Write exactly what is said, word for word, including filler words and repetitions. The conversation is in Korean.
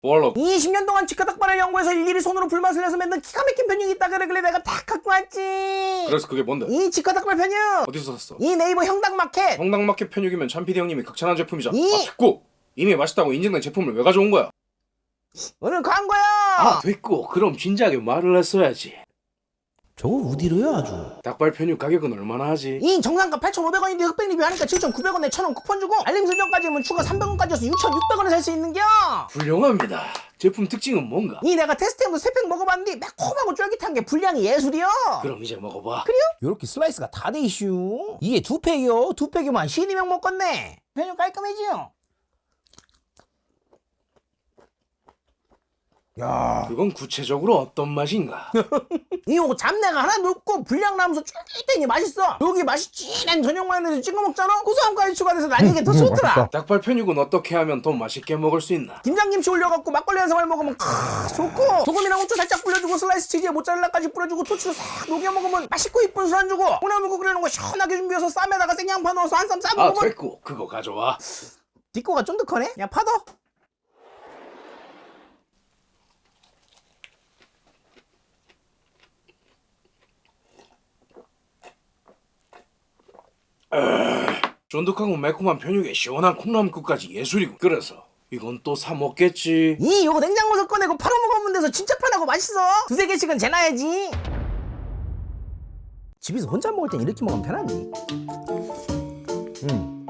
뭘로? 이십 년 동안 직화닭발을 연구해서 일일이 손으로 불맛을 내서 만든 기가 막힌 편육이 있다 그러길래 내가 다 갖고 왔지. 그래서 그게 뭔데? 이 직화닭발 편육. 어디서 샀어? 이 네이버 형닭마켓. 형당마켓 편육이면 참피디 형님이 극찬한 제품이잖아. 이- 아 됐고! 이미 맛있다고 인증된 제품을 왜 가져온 거야? 오늘 광고야. 아 됐고 그럼 진작에 말을 했어야지. 저거 어디로요 아주. 닭발 편육 가격은 얼마나 하지? 이 정상가 팔천오백 원인데 흑백 리뷰하니까 칠천구백 원에 천 원 쿠폰 주고 알림 설정까지 하면 추가 삼백 원까지여서 육천육백 원에 살 수 있는겨. 훌륭합니다. 제품 특징은 뭔가? 이 내가 테스트해서 세 팩 먹어봤는데 매콤하고 쫄깃한 게 분량이 예술이여. 그럼 이제 먹어봐. 그래요? 요렇게 슬라이스가 다 돼 이슈. 이게 두 팩이요. 두 팩이면 십이 명 먹겠네. 편육 깔끔해지요. 야, 그건 구체적으로 어떤 맛인가? 이거 잡내가 하나도 없고 분량 나면서 쫄깃하니 맛있어. 여기 맛이 진한 전용 마요네즈 찍어 먹잖아. 고소함까지 추가돼서 난 이게 더 좋더라. 닭발 편육은 어떻게 하면 더 맛있게 먹을 수 있나? 김장김치 올려갖고 막걸리 한 사발 먹으면 크 좋고, 소금이랑 후추 살짝 뿌려주고 슬라이스 치즈에 모짜렐라까지 뿌려주고 토치로 싹 녹여 먹으면 맛있고 이쁜 술안주고, 콩나물국 끓여놓은 거 시원하게 준비해서 쌈에다가 생양파 넣어서 한 쌈 싸 아 먹으면 됐고 그거 가져와. 뒷거가 쫀득하네. 야 파더. 쫀득하고 매콤한 편육에 시원한 콩나물국까지 예술이고. 그래서 이건 또 사 먹겠지. 이 요거 냉장고에서 꺼내고 바로 먹으면 돼서 진짜 편하고 맛있어. 두세 개씩은 재놔야지. 집에서 혼자 먹을 땐 이렇게 먹으면 편하지. 음.